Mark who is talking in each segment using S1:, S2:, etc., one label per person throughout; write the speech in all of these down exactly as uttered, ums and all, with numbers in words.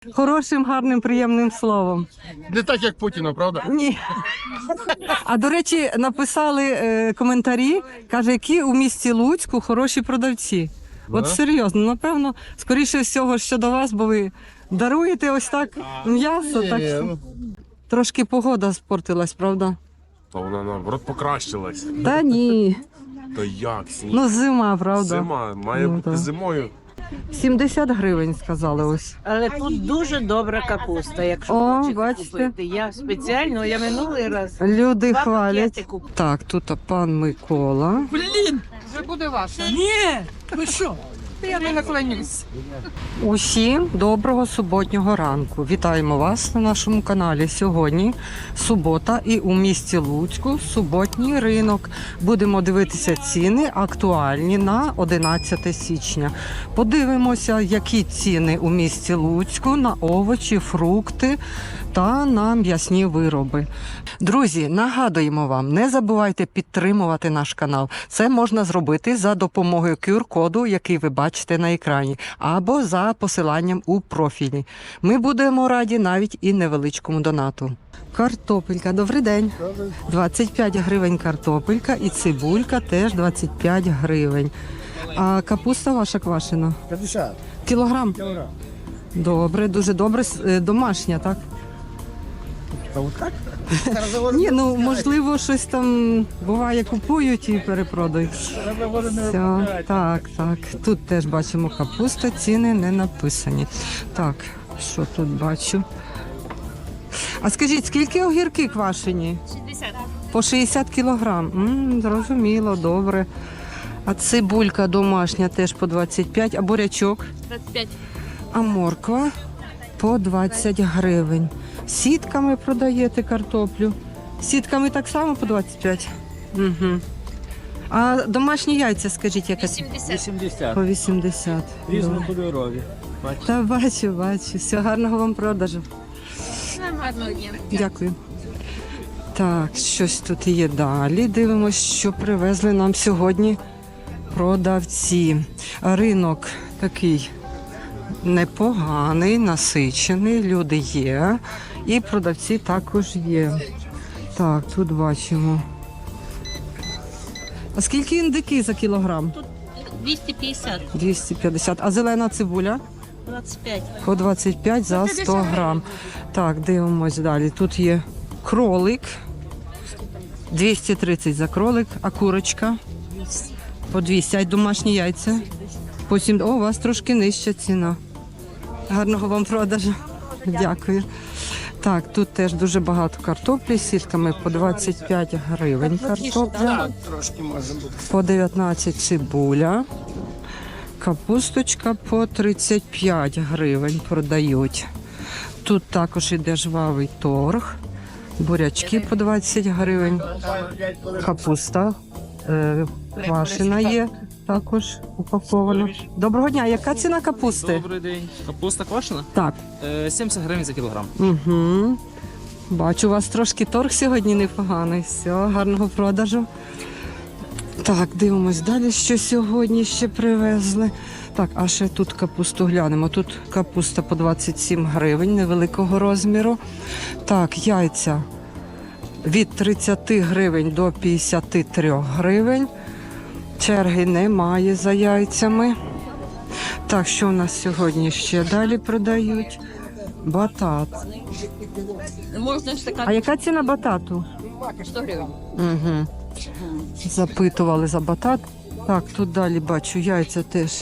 S1: Хорошим, гарним, приємним словом.
S2: Не так, як Путіна, правда?
S1: Ні. А до речі, написали е, коментарі, каже, які у місті Луцьку хороші продавці. От серйозно, напевно, скоріше всього, що до вас, бо ви даруєте ось так м'ясо, так що трошки погода спортилась, правда?
S2: Та вона наоборот покращилась.
S1: Та ні.
S2: То як сніг?
S1: Ну зима, правда.
S2: Зима, має
S1: Ну,
S2: бути
S1: так.
S2: зимою.
S1: сімдесят гривень, сказали ось.
S3: Але тут дуже добра капуста, якщо
S1: О,
S3: хочете
S1: бачите.
S3: купити. Я спеціально, я минулий раз
S1: Люди
S3: два
S1: хвалять.
S3: пакети купила.
S1: Так, тут пан Микола.
S4: Ні, ви що? Я не наклонюсь.
S1: Усім доброго суботнього ранку. Вітаємо вас на нашому каналі. Сьогодні субота і у місті Луцьку суботній ринок. Будемо дивитися ціни актуальні на одинадцяте січня. Подивимося, які ціни у місті Луцьку на овочі, фрукти та на м'ясні вироби. Друзі, нагадуємо вам, не забувайте підтримувати наш канал. Це можна зробити за допомогою ку ар-коду, який ви бачите на екрані, або за посиланням у профілі. Ми будемо раді навіть і невеличкому донату. Картопелька, добрий день. двадцять п'ять гривень картопелька і цибулька теж двадцять п'ять гривень. А капуста ваша квашена?
S5: п'ятдесят
S1: Кілограм?
S5: кілограм.
S1: Добре, дуже добре. Е, Домашня, так?
S5: Та от так?
S1: Ні, ну можливо, щось там буває, купують і перепродають. Все, так, так. Тут теж бачимо капуста, ціни не написані. Так, що тут бачу? А скажіть, скільки огірки квашені?
S6: шістдесят.
S1: По шістдесят кілограм. М, зрозуміло, добре. А цибулька домашня теж по двадцять п'ять, а бурячок?
S6: двадцять п'ять.
S1: А морква по двадцять гривень. Сітками продаєте картоплю. Сітками так само по двадцять п'ять. Угу. А домашні яйця, скажіть, яка ціна?
S6: сімдесят.
S5: вісімдесят.
S1: По вісімдесят.
S5: Різнокольорові.
S1: Та бачу, бачу. Все, гарного вам продажу.
S6: Гарного дня.
S1: Дякую. Так, щось тут є далі. Дивимось, що привезли нам сьогодні продавці. Ринок такий непоганий, насичений, люди є. І продавці також є. Так, тут бачимо. А скільки індики за кілограм?
S6: двісті п'ятдесят.
S1: двісті п'ятдесят. А зелена цибуля?
S6: двадцять п'ять.
S1: По двадцять п'ять за сто грам. Так, дивимось далі. Тут є кролик. двісті тридцять за кролик. А курочка? По двісті. А домашні яйця? По сім. О, у вас трошки нижча ціна. Гарного вам продажу. Дякую. Так, тут теж дуже багато картоплі. З сітками по двадцять п'ять гривень картопля. По дев'ятнадцять цибуля. Капусточка по тридцять п'ять гривень продають. Тут також іде жвавий торг. Бурячки по двадцять гривень. Капуста е, квашена є, також упакована. Доброго дня, яка ціна капусти?
S7: Добрий день. Капуста квашена?
S1: Так.
S7: Е, сімдесят гривень за кілограм.
S1: Угу. Бачу, у вас трошки торг сьогодні непоганий. Все, гарного продажу. Так, дивимось далі, що сьогодні ще привезли. Так, а ще тут капусту глянемо. Тут капуста по двадцять сім гривень невеликого розміру. Так, яйця від тридцять гривень до п'ятдесят три гривень. Черги немає за яйцями. Так, що у нас сьогодні ще далі продають? Батат.
S6: Можна ж така
S1: А яка ціна батату?
S6: сто гривень.
S1: Угу. Запитували за батат. Так, тут далі бачу яйця теж.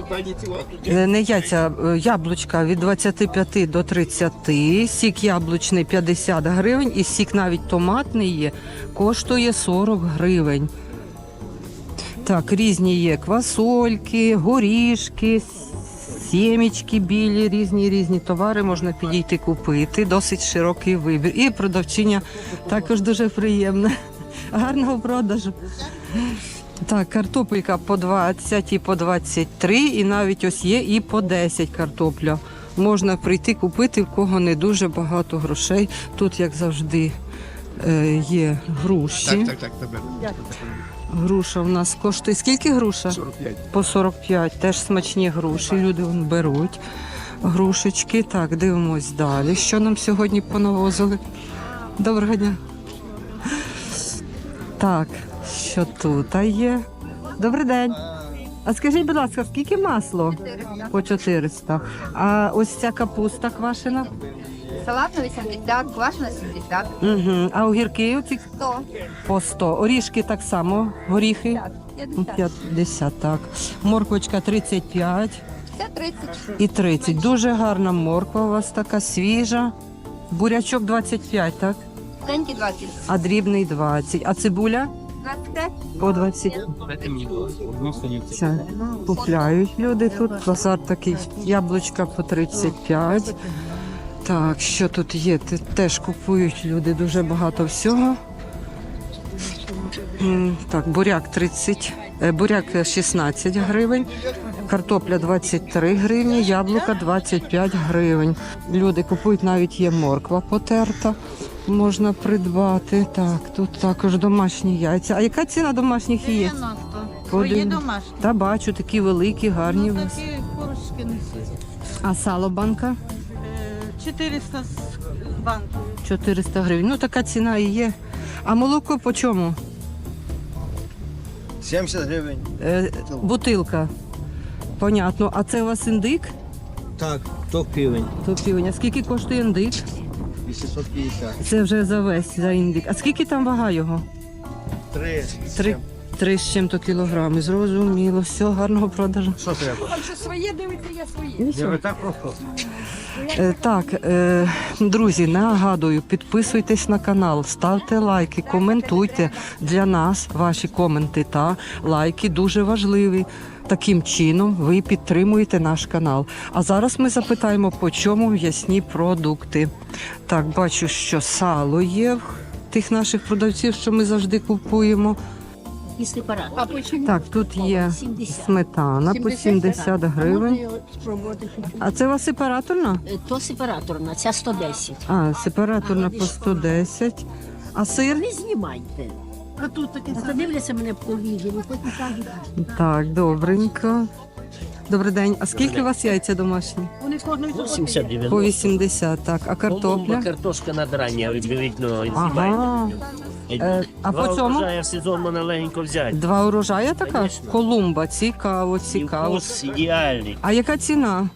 S1: Е, Не яйця, е, яблучка від двадцяти п'яти до тридцяти. Сік яблучний п'ятдесят гривень і сік навіть томатний є, коштує сорок гривень. Так, різні є квасольки, горішки, сімечки білі, різні різні товари можна підійти купити. Досить широкий вибір. І продавчиня також дуже приємна. Гарного продажу. Так, картопелька по двадцять і по двадцять три, і навіть ось є і по десять картопля. Можна прийти купити, в кого не дуже багато грошей. Тут, як завжди, е, є груші.
S2: Так, так, так, тебе.
S1: Груша у нас коштує. Скільки груша?
S2: сорок п'ять.
S1: По сорок п'ять. Теж смачні груші. Люди вон беруть. грушечки. Так, дивимось далі. Що нам сьогодні понавозили? Доброго дня. Так, що тут є? Добрий день. А скажіть, будь ласка, скільки масло? По чотириста. А ось ця капуста квашена?
S8: Салатна вісімдесят, квашена сімдесят,
S1: Угу. А огірки оці
S8: сто,
S1: по сто. Орішки так само, горіхи
S8: п'ятдесят,
S1: п'ятдесят, так. Морквочка тридцять п'ять
S8: це тридцять.
S1: і тридцять. Дуже гарна морква у вас така, свіжа. Бурячок двадцять п'ять, так?
S8: Тенькі двадцять.
S1: А дрібний двадцять. А цибуля?
S8: двадцять п'ять.
S1: По двадцять.
S7: Дайте мені одну сторінку.
S1: Це купляють люди тут. Базар такий. Яблучка по тридцять п'ять. Так, що тут є? Те- Теж купують люди дуже багато всього. М, Так, буряк тридцять, е, буряк шістнадцять гривень, картопля двадцять три гривні, яблука двадцять п'ять гривень. Люди купують, навіть є морква потерта, можна придбати. Так, тут також домашні яйця. А яка ціна домашніх яєць?
S3: Твої
S1: Один.
S3: домашні.
S1: Та бачу, такі великі, гарні. у вас.
S3: Такі корочки несуть.
S1: А сало банка?
S3: чотириста з банку.
S1: чотириста гривень. Ну, така ціна і є. А молоко по чому?
S5: сімдесят гривень.
S1: Е, бутилка. Понятно. А це у вас індик?
S5: Так, то півень.
S1: То півень. А скільки коштує індик?
S5: вісімсот п'ятдесят.
S1: Це вже за весь, за індик. А скільки там вага його?
S5: Три.
S1: Три, три з чим-то кілограми. Зрозуміло. Все, гарного продажу.
S5: Що треба?
S8: Своє дивиться, я своє.
S1: І все.
S5: Ви так просто.
S1: Е, Так, е, друзі, нагадую, підписуйтесь на канал, ставте лайки, коментуйте. Для нас ваші коменти та лайки дуже важливі. Таким чином ви підтримуєте наш канал. А зараз ми запитаємо, по чому м'ясні продукти. Так, бачу, що сало є в тих наших продавців, що ми завжди купуємо.
S6: І сепарат.
S8: А по чому?
S1: Так, тут є сметана по сімдесят гривень. А це у вас сепараторна?
S6: То сепараторна, ця сто десять.
S1: А, сепараторна по сто десять. А сир?
S6: Не знімайте. А тут таке. Подивляться мене по відео, потім кажуть.
S1: Так, добренько. Добрий день. А скільки у вас яйця домашні?
S9: вісімдесят
S1: По
S9: дев'яносто.
S1: вісімдесят, так. А картопля?
S9: Картошка надрання, відповідно,
S1: Ага. Е, а по цьому?
S9: в сезон можна легенько взяти.
S1: Два урожая така?
S9: Конечно.
S1: Колумба. Цікаво,
S9: І
S1: цікаво.
S9: вкус ідеальний.
S1: А яка ціна?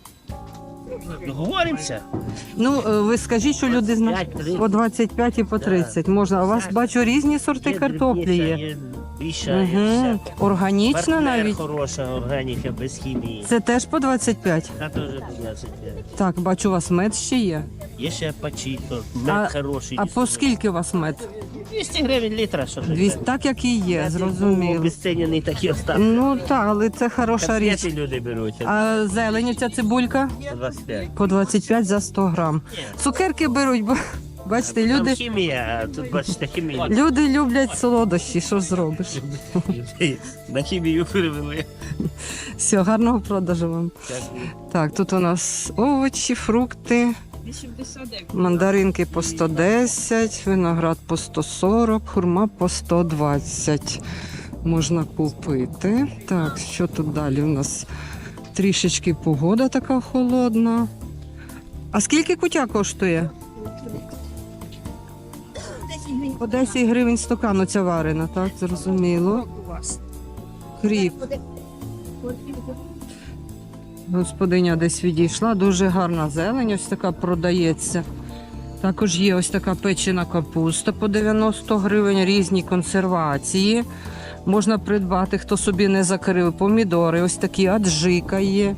S9: Говоримося?
S1: Ну, е, ви скажіть, що люди знають.
S9: п'ять тридцять.
S1: По двадцять п'ять і по тридцять можна. А у вас, бачу, різні сорти картоплі є.
S9: Є більша, є
S1: Угу.
S9: вся.
S1: Органічна
S9: Партнер
S1: навіть.
S9: хороша, органіка, без хімії.
S1: Це теж по двадцять п'ять?
S9: Та теж по двадцять п'ять.
S1: Так, бачу, у вас мед ще є.
S9: Є ще пачіто,
S1: А-
S9: мед хороший.
S1: А по скільки у вас мед?
S9: двісті гривень літра, що ж.
S1: Двісті, так як і є, зрозуміло.
S9: Обесцінений такі остатки.
S1: Ну так, але це хороша річ.
S9: Конфети люди беруть.
S1: А зелень, ця цибулька?
S9: По двадцять п'ять.
S1: По двадцять п'ять за сто грам. Цукерки беруть, бо бачите,
S9: Там
S1: люди,
S9: хімія, а тут бачите хімія.
S1: люди люблять солодощі, що ж зробиш.
S9: На хімію перевели.
S1: Все, гарного продажу вам.
S9: Дякую.
S1: Так, тут у нас овочі, фрукти, мандаринки по сто десять, виноград по сто сорок, хурма по сто двадцять. Можна купити. Так, що тут далі у нас? Трішечки погода така холодна. А скільки кутя коштує? По десять гривень стакан оця варена, так, зрозуміло. Кріп. Господиня десь відійшла, дуже гарна зелень, ось така продається. Також є ось така печена капуста по дев'яносто гривень, різні консервації. Можна придбати, хто собі не закрив, помідори, ось такі аджика є.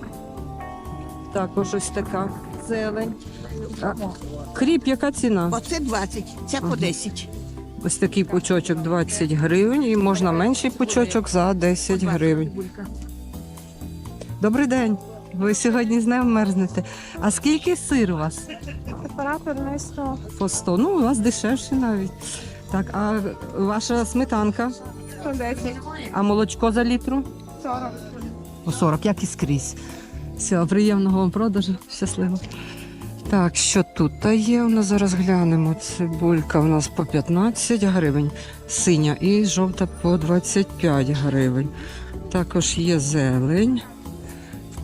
S1: Також ось така зелень. А, кріп, яка ціна?
S4: Оце двадцять, це по десять.
S1: Ось такий пучочок двадцять гривень і можна менший пучочок за десять гривень. Добрий день. Ви сьогодні з ним мерзнете. А скільки сир у вас?
S8: Сепараторна сто.
S1: По сто. Ну, у вас дешевше навіть. Так, а ваша сметанка?
S8: сто десять.
S1: А молочко за літру?
S8: сорок.
S1: По сорок, як і скрізь. Все, приємного вам продажу. Щасливо. Так, що тут та є? У нас зараз глянемо. Цибулька у нас по п'ятнадцять гривень, синя і жовта по двадцять п'ять гривень. Також є зелень.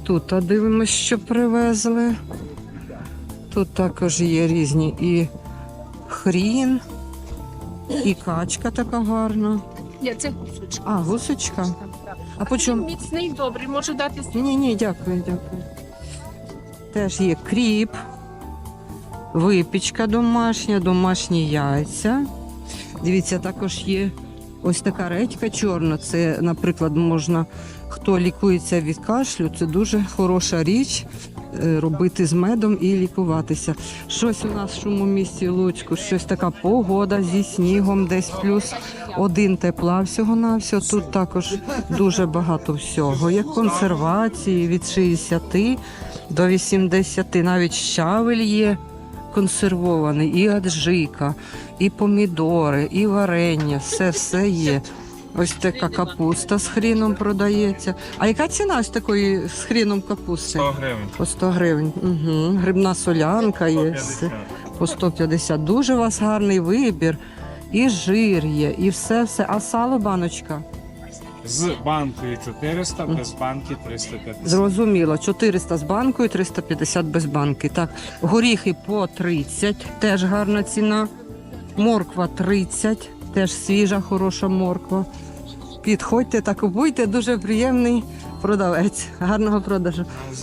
S1: тут а дивимось, що привезли. Тут також є різні і хрін, і качка така гарна.
S8: Ні, це гусочка.
S1: А, гусочка. А по чому?
S8: Міцний, добрий, можу дати.
S1: Ні, ні, дякую, дякую. Теж є кріп, випічка домашня, домашні яйця. Дивіться, також є ось така редька чорна. Це, наприклад, можна, хто лікується від кашлю, це дуже хороша річ е, робити з медом і лікуватися. Щось у нас в шуму місті Луцьку, щось така погода зі снігом, десь плюс один тепла всього-навсього. Тут також дуже багато всього. Є консервації від шістдесят до вісімдесят, навіть щавель є консервований, і аджика, і помідори, і варення, все-все є. Ось така капуста з хріном продається. А яка ціна ось такої з хріном капусти?
S2: сто гривень.
S1: По сто гривень. Угу. Грибна солянка є. все. По сто п'ятдесят. Дуже у вас гарний вибір. І жир є, і все-все. А сало баночка?
S7: З банкою чотириста, без банки триста п'ятдесят.
S1: Зрозуміло. чотириста з банкою, триста п'ятдесят без банки. Так, горіхи по тридцять, теж гарна ціна. Морква тридцять, теж свіжа, хороша морква. Підходьте та купуйте, дуже приємний продавець. Гарного продажу.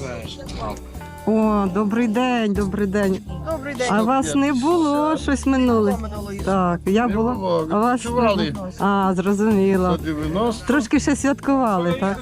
S1: О, добрий день, добрий день.
S5: Добрий день.
S1: А вас не було щось минуле? Так, я була. А вас не було? А, зрозуміло.
S5: дев'яносто.
S1: Трошки ще святкували, так?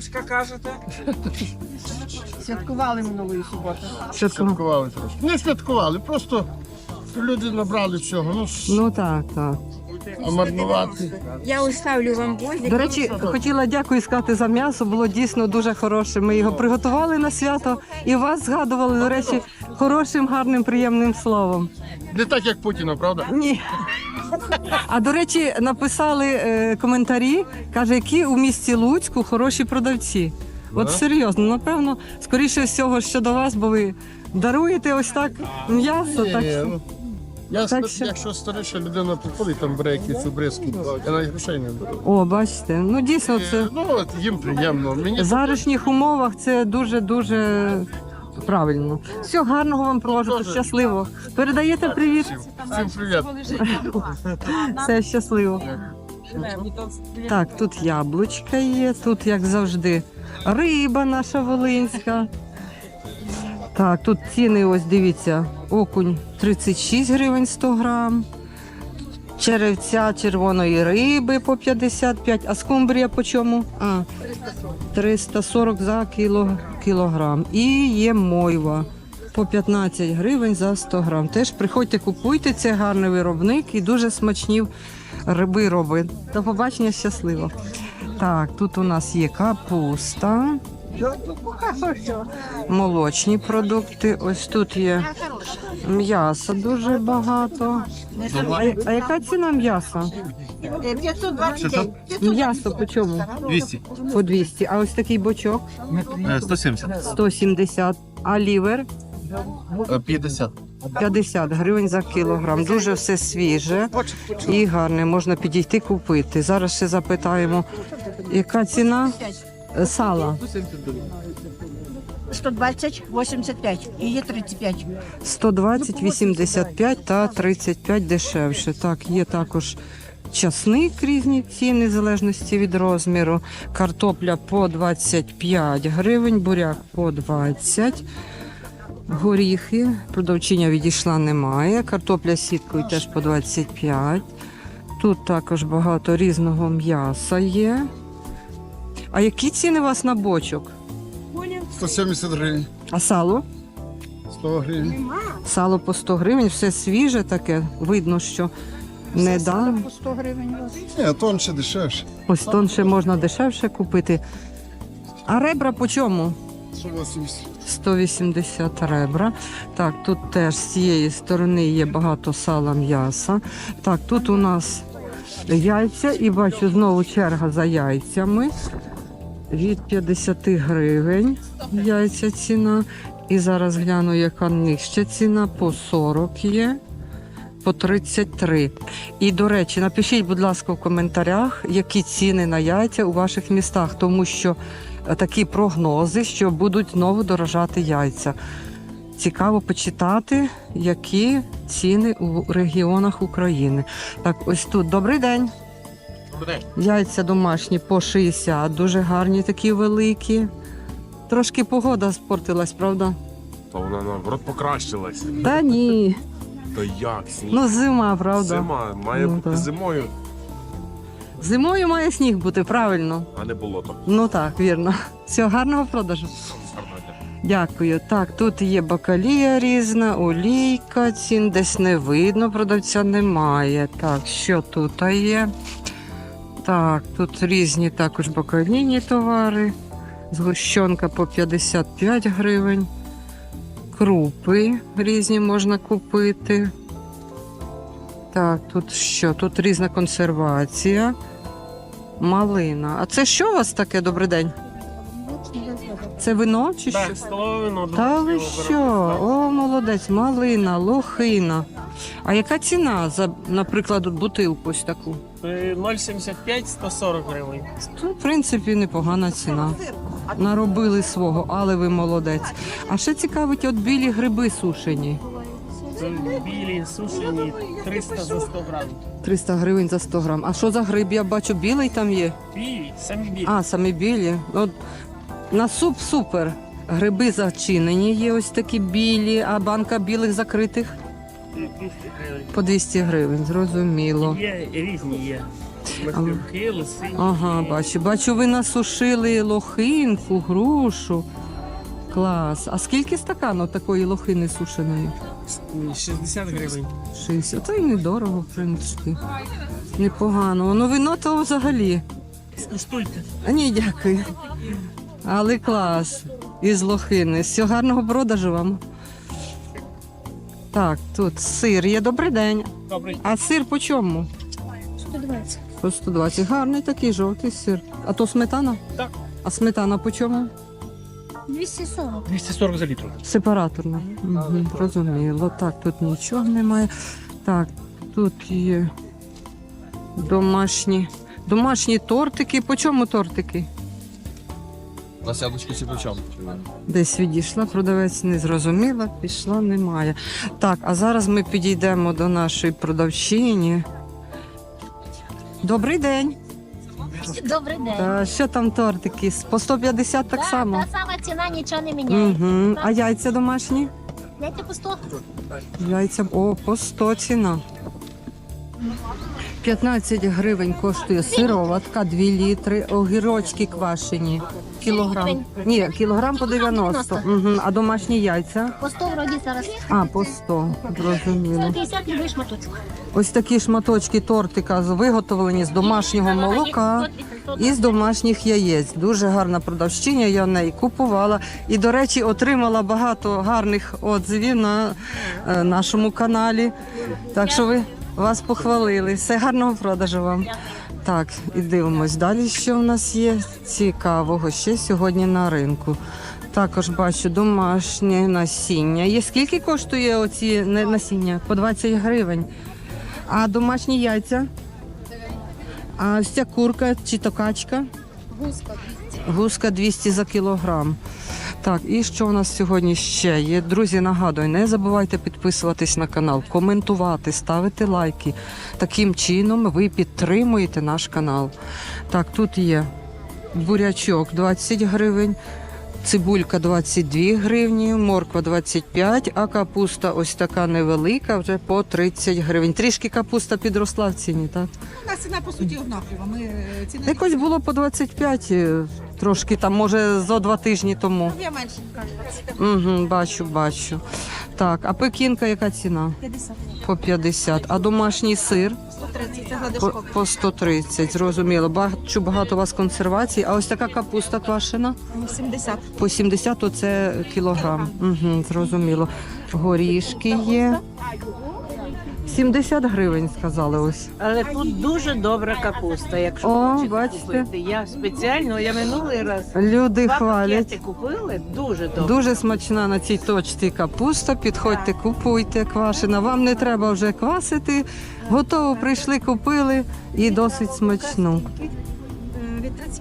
S3: Святкували минулої суботи.
S1: Святкували.
S10: Святкували трошки. Не святкували, просто люди набрали всього. Ну, ж,
S1: Ну так, так.
S10: а марнувати.
S8: Я оставлю вам возик.
S1: До речі, хотіла дякую сказати за м'ясо, було дійсно дуже хороше. Ми його приготували на свято і вас згадували, до речі, хорошим, гарним, приємним словом.
S10: Не так, як Путіна, правда?
S1: Ні. А до речі, написали е, коментарі, каже, які у місті Луцьку хороші продавці. От серйозно, напевно, скоріше всього, що до вас, бо ви даруєте ось так м'ясо. Так
S10: Ні,
S1: що...
S10: ну, я,
S1: Так
S10: ста-
S1: що-
S10: якщо старіша людина приходить, там бере якісь обрізки, я навіть грошей не беру.
S1: О, бачите, ну дійсно це
S10: Е, Ну, от їм приємно. Мені
S1: в зарішніх умовах це дуже-дуже правильно. Все, гарного вам прожитку,
S10: Дуже.
S1: щасливо. Передаєте привіт?
S10: всім привіт.
S1: Все, щасливо. Так, тут яблучка є, тут, як завжди, риба наша волинська. Так, тут ціни, ось дивіться, окунь тридцять шість гривень сто грам, черевця червоної риби по п'ятдесят п'ять, а скумбрія по чому? А, триста сорок за кіло, кілограм. І є мойва по п'ятнадцять гривень за сто грам. Теж приходьте, купуйте, це гарний виробник і дуже смачні риби робить. До побачення, щасливо. Так, тут у нас є капуста, молочні продукти. Ось тут є м'ясо дуже багато. А, а яка ціна м'яса?
S4: п'ятсот двадцять п'ять.
S1: М'ясо по чому?
S2: двісті.
S1: По двісті. А ось такий бочок
S2: сто сімдесят.
S1: сто сімдесят. А лівер
S2: п'ятдесят.
S1: п'ятдесят гривень за кілограм. Дуже все свіже і гарне. Можна підійти купити. Зараз ще запитаємо, яка ціна е, сала?
S4: сто двадцять, вісімдесят п'ять. І є тридцять п'ять.
S1: сто двадцять, вісімдесят п'ять та тридцять п'ять дешевше. Так, є також часник, різні ціни в залежності від розміру. Картопля по двадцять п'ять гривень, буряк по двадцять. Горіхи, продавчиня відійшла, немає. Картопля з сіткою теж по двадцять п'ять. Тут також багато різного м'яса є. А які ціни у вас на бочок?
S10: сто сімдесят гривень,
S1: А сало?
S10: сто гривень.
S1: Сало по сто гривень, все свіже таке. Видно, що недавно.
S10: Ні, тонше, дешевше.
S1: Ось тонше можна дешевше купити. А ребра по чому?
S10: сто вісімдесят.
S1: сто вісімдесят ребра. Так, тут теж з цієї сторони є багато сала, м'яса. Так, тут у нас яйця і бачу знову черга за яйцями. Від п'ятдесят гривень яйця ціна. І зараз гляну, яка нижча ціна. По сорок є, по тридцять три. І, до речі, напишіть, будь ласка, в коментарях, які ціни на яйця у ваших містах, тому що е, такі прогнози, що будуть знову дорожати яйця. Цікаво почитати, які ціни у регіонах України. Так, ось тут. Добрий день.
S2: Добрий день.
S1: Яйця домашні по шістдесят, дуже гарні, такі великі. Трошки погода спортилась, правда?
S7: То вона наоборот покращилась.
S1: Та ні.
S7: То як? Сніг?
S1: Ну, зима, правда.
S7: Зима. Має
S1: Ну,
S7: бути
S1: так.
S7: зимою,
S1: Зимою має сніг бути, правильно.
S7: а не болото.
S1: Ну так, вірно. Всього гарного продажу.
S7: Гарного дня.
S1: Дякую. Так, тут є бакалія різна, олійка, цін десь не видно, продавця немає. Так, що тут є? Так, тут різні також бакалійні товари. Згущенка по п'ятдесят п'ять гривень. Крупи різні можна купити. Так, тут що? Тут різна консервація. Малина. А це що у вас таке? Добрий день? Це вино чи що?
S9: Так, столове вино.
S1: Та ви що? О, молодець, малина, лохина. А яка ціна за, наприклад, бутилку ось таку?
S9: ноль сімдесят п'ять сто сорок гривень.
S1: Тут, в принципі, непогана ціна. Наробили свого, але ви молодець. А ще цікавить, от білі гриби сушені.
S9: Це білі, сушені, триста за сто грамів.
S1: триста гривень за сто грам. А що за гриб? Я бачу, білий там є.
S9: Білі, самі білі.
S1: А, самі білі. От, на суп супер. Гриби зачинені є ось такі білі, а банка білих закритих
S9: двісті гривень.
S1: по двісті гривень, зрозуміло.
S9: Є різні є. Маслюки, лисині.
S1: Ага, бачу. Бачу, ви насушили лохинку, грушу. Клас. А скільки стаканів такої лохини сушеної?
S9: шістдесят гривень.
S1: шістдесят. Та й недорого, в принципі. Непогано. Ну, вино то взагалі.
S9: Скуштуйте.
S1: А ні, дякую. Але клас. Із лохини. Всього гарного продажу вам. Так, тут сир є. Добрий день.
S9: Добрий.
S1: А сир по чому?
S6: сто двадцять.
S1: По сто двадцять. Гарний такий жовтий сир. А то сметана?
S9: Так. А
S1: А сметана по чому?
S6: двісті сорок.
S9: двісті сорок за літр.
S1: Сепараторна. Угу, зрозуміло. Так, тут нічого немає. Так, тут є домашні. Домашні тортики. По чому тортики?
S2: У нас яблучко всі почав.
S1: Десь відійшла, продавець не зрозуміла, пішла, немає. Так, а зараз ми підійдемо до нашої продавчині. Добрий день.
S6: Добрий день.
S1: Та, що там тортики? По сто п'ятдесят так
S6: Да,
S1: само?
S6: Та сама ціна, нічого не міняє.
S1: Угу. А яйця домашні?
S6: Дайте по сто.
S1: Яйця, о, по сто ціна. п'ятнадцять гривень коштує сироватка, два літри, огірочки квашені. Кілограм. Ні, кілограм по дев'яносто. Угу. А домашні яйця?
S6: По сто вроді зараз.
S1: А, по сто, зрозуміло.
S6: сто п'ятдесят любий шматочок.
S1: Ось такі шматочки тортика з- виготовлені з домашнього молока і з домашніх яєць. Дуже гарна продавщиня, я в неї купувала. І, до речі, отримала багато гарних отзивів на е, нашому каналі. Так що ви вас похвалили. Все, гарного продажу вам. Так, і дивимось далі, що в нас є цікавого ще сьогодні на ринку. Також бачу домашнє насіння. Є скільки коштує оці не- насіння? По двадцять гривень. А домашні яйця? А ось ця курка чи то качка? Гуска двісті за кілограм. Так, і що у нас сьогодні ще є? Друзі, нагадую, не забувайте підписуватись на канал, коментувати, ставити лайки. Таким чином ви підтримуєте наш канал. Так, тут є бурячок двадцять гривень, цибулька двадцять дві гривні, морква двадцять п'ять, а капуста ось така невелика, вже по тридцять гривень. Трішки капуста підросла в ціні, так?
S3: У нас ціна по суті однакова. Ми е, ціни
S1: Якось було по двадцять п'ять, е, трошки там, може, зо два тижні тому.
S3: я менше кажу.
S1: Угу, бачу, бачу. Так, а пекінка яка ціна?
S3: п'ятдесят.
S1: По п'ятдесят. А домашній сир?
S3: сто тридцять. Це
S1: По,
S3: гладишко.
S1: по сто тридцять, зрозуміло. Бачу, багато у вас консервацій. А ось така капуста квашена?
S3: сімдесят.
S1: По сімдесят то це кілограм. Угу, зрозуміло. Горішки є. сімдесят гривень, сказали ось.
S4: Але тут дуже добра капуста, якщо
S1: О,
S4: хочете
S1: бачите.
S4: купити. Я спеціально, я минулий раз
S1: Люди
S4: два
S1: хвалять.
S4: пакети купили, дуже добре.
S1: Дуже смачна на цій точці капуста. Підходьте, купуйте, квашена. Вам не треба вже квасити. Готово прийшли, купили і досить смачну.
S3: Від тридцять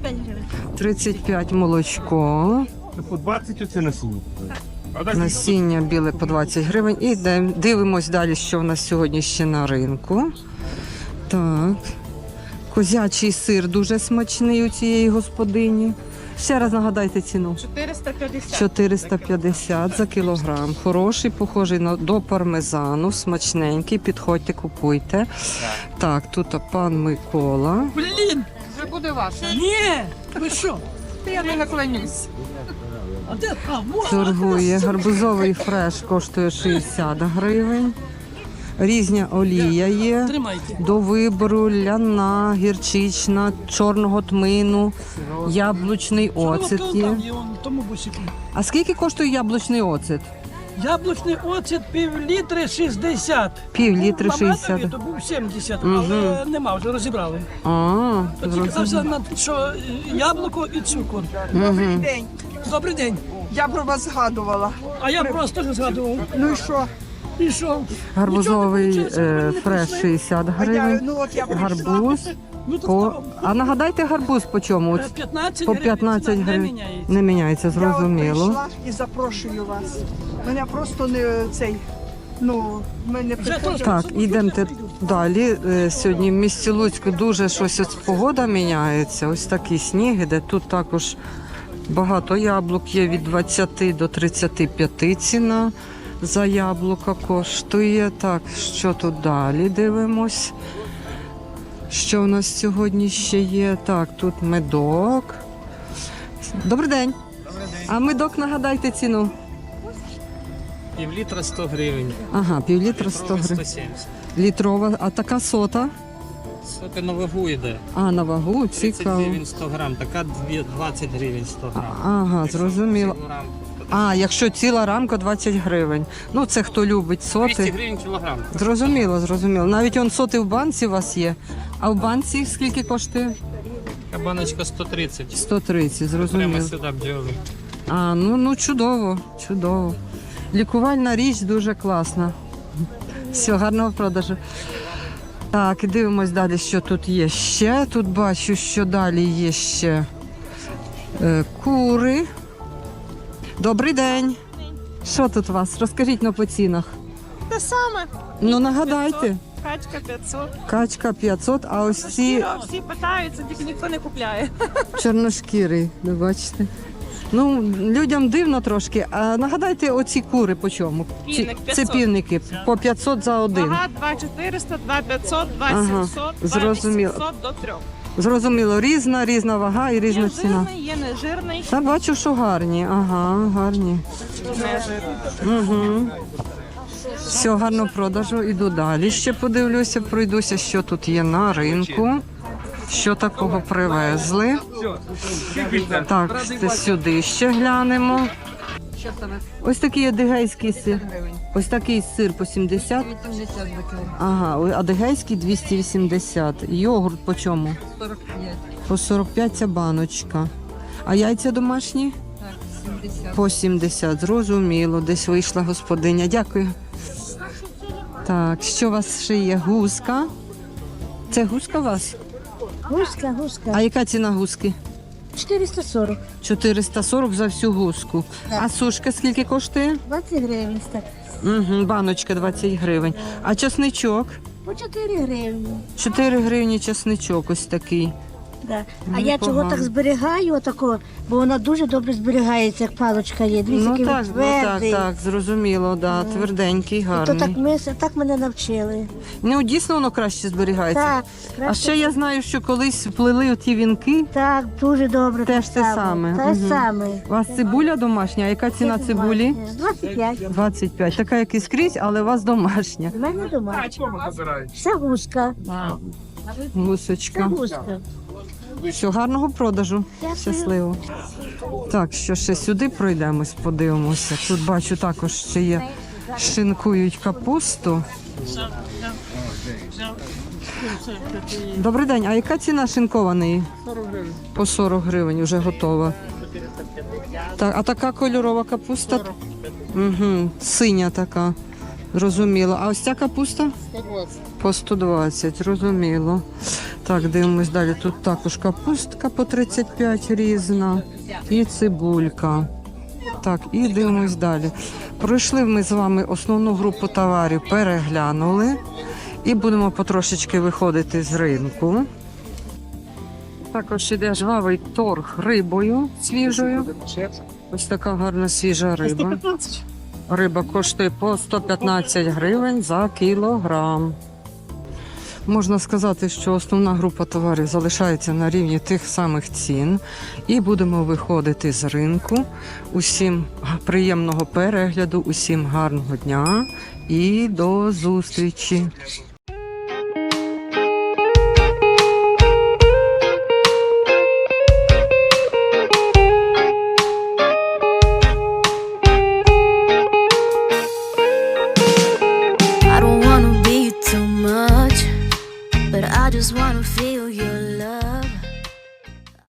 S6: п'ять гривень.
S1: тридцять п'ять молочко.
S7: По двадцять оце несу.
S1: Насіння біле по двадцять гривень. І йдем- дивимось далі, що в нас сьогодні ще на ринку. Так. Козячий сир дуже смачний у цієї господині. Ще раз нагадайте ціну.
S8: чотириста п'ятдесят.
S1: чотириста п'ятдесят за кілограм. Хороший, похожий на до пармезану, смачненький. Підходьте, купуйте. Так, тут пан Микола.
S8: Блін, вже буде ваше.
S3: Ні! Ви що?
S8: Я не наклонюсь.
S3: А де? А, во!
S1: Торгує. Гарбузовий фреш коштує шістдесят гривень. Різня олія є.
S3: Тримайте.
S1: До вибору ляна, гірчична, чорного тмину, яблучний оцет є.
S3: Там є он, в тому бусику.
S1: А скільки коштує яблучний оцет?
S3: Яблучний оцет пів літри шістдесят.
S1: Пів літри
S3: Мамадові
S1: шістдесят.
S3: то був сімдесят,
S1: Мгм.
S3: але нема, вже розібрали.
S1: А,
S3: То тільки казався,
S1: зрозуміло.
S3: на- що е, яблуко і цукор.
S1: Мгм.
S8: День.
S3: Добрий день.
S8: Я про вас згадувала.
S3: А я просто ж згадував.
S8: Ну і що?
S3: І що?
S1: Гарбузовий
S3: Нічого не вийшло,
S1: е,
S3: ви не
S1: фреш
S3: прийшли.
S1: шістдесят
S8: А я,
S1: гривень.
S8: ну от я прийшла.
S1: Гарбуз
S3: Ну, то
S1: по.
S3: що?
S1: А нагадайте гарбуз по чому?
S3: Е, п'ятнадцять
S1: По
S3: гривень,
S1: п'ятнадцять
S3: ціна не
S1: гривень.
S3: міняється.
S1: Не міняється,
S8: Я от
S1: зрозуміло.
S8: прийшла і запрошую вас. Мене просто не цей, ну, ми не
S3: Вже
S8: приходимо.
S3: теж.
S1: Так, йдемте далі. Е, Сьогодні в місті Луцьку дуже щось ось погода міняється. Ось такі сніг іде. Тут також багато яблук є від двадцяти до тридцяти п'яти ціна за яблука коштує. Так, що тут далі дивимось? Що в нас сьогодні ще є? Так, тут медок. Добрий день. А медок нагадайте ціну.
S9: Пів літра сто гривень.
S1: Ага, півлітра сто гривень.
S9: сто сімдесят.
S1: Літрова, а така сота?
S9: Сока на вагу йде.
S1: А, на вагу,
S9: тридцять
S1: цікаво.
S9: гривень сто грам, така дві- двадцять гривень сто грам.
S1: Ага,
S9: Якщо
S1: зрозуміло.
S9: цілу рамку, то
S1: А, якщо ціла рамка двадцять гривень. Ну, це хто любить
S9: двісті
S1: соти.
S9: гривень кілограм.
S1: Зрозуміло, зрозуміло. Навіть он соти в банці у вас є. А в банці скільки коштує?
S9: Така баночка сто тридцять.
S1: сто тридцять,
S9: Прямо
S1: зрозуміло.
S9: сюди бджоли.
S1: А, ну, ну чудово, чудово. Лікувальна річ дуже класна. Все, гарного продажу. Так, і дивимось далі, що тут є ще. Тут бачу, що далі є ще е, кури. Добрий день. Що тут у вас? Розкажіть на по цінах.
S8: Те саме.
S1: Ну, нагадайте.
S8: Качка п'ятсот.
S1: Качка п'ятсот, а ось ці
S8: Всі питаються, тільки ніхто не купляє.
S1: чорношкірий, ви бачите. Ну, людям дивно трошки. А нагадайте, оці кури по чому? Чи-
S8: Півник
S1: Це
S8: п'ятсот.
S1: півники по п'ятсот за один.
S8: Вага два чотириста, два п'ятсот, два
S1: Ага,
S8: сімсот, два
S1: зрозуміло.
S8: вісімсот до трьох.
S1: Зрозуміло, різна, різна вага і різна
S8: Є
S1: ціна.
S8: жирний, є нежирний,
S1: Та бачу, що гарні. Ага, гарні.
S8: нежирний.
S1: Угу. Все, гарно продажу. Іду далі. Ще подивлюся, пройдуся, що тут є на ринку. Що такого привезли. Так, це сюди ще глянемо. Ось такий адигейський сир. Ось такий сир по сімдесят. Ага, ой, адигейський двісті вісімдесят. Йогурт по чому? По сорок п'ять ця баночка. А яйця домашні? По сімдесят. Зрозуміло. Десь вийшла господиня. Дякую. Так, що у вас ще є? Гуска. Це гуска у вас?
S6: Гуска, гуска.
S1: А яка ціна гуски?
S6: чотириста сорок.
S1: чотириста сорок за всю гуску. А сушка скільки коштує?
S6: двадцять гривень так.
S1: Угу, баночка двадцять гривень. А чесничок?
S6: По чотири гривні.
S1: чотири гривні чесничок ось такий.
S6: Да. А
S1: Ну,
S6: я чого
S1: погано.
S6: так зберігаю, отако, бо вона дуже добре зберігається, як паличка є. Дві
S1: Ну
S6: такий
S1: так, ну, так,
S6: твердий.
S1: так, зрозуміло, да, тверденький,
S6: І то
S1: гарний.
S6: так ми так мене навчили.
S1: Ну, дійсно воно краще зберігається.
S6: Так,
S1: А
S6: краще.
S1: ще я знаю, що колись плели ті вінки.
S6: Так, дуже добре.
S1: Теж
S6: так
S1: те
S6: само.
S1: саме.
S6: Те
S1: Мгм.
S6: саме.
S1: У вас цибуля домашня, а яка ціна цибулі?
S6: двадцять п'ять.
S1: двадцять п'ять. Така, як і скрізь, але у вас домашня.
S6: У мене дома. Це гуска. Це
S1: Гусочка.
S6: гуска.
S1: Все, гарного продажу.
S6: Дякую.
S1: Щасливо. Так, що ще сюди пройдемось, подивимося. Тут бачу також ще є шинкують капусту. Добрий день, а яка ціна шинкованої? По сорок гривень, вже готова. Так, а така кольорова капуста? Угу, синя така. Зрозуміло. А ось ця капуста? По сто двадцять, зрозуміло. Так, дивимось далі. Тут також капустка по тридцять п'ять різна і цибулька. Так, і дивимось далі. Пройшли ми з вами основну групу товарів, переглянули. І будемо потрошечки виходити з ринку. Також іде жвавий торг рибою свіжою. Ось така гарна свіжа риба. Риба коштує по сто п'ятнадцять гривень за кілограм. Можна сказати, що основна група товарів залишається на рівні тих самих цін. І будемо виходити з ринку. Усім приємного перегляду, усім гарного дня і до зустрічі!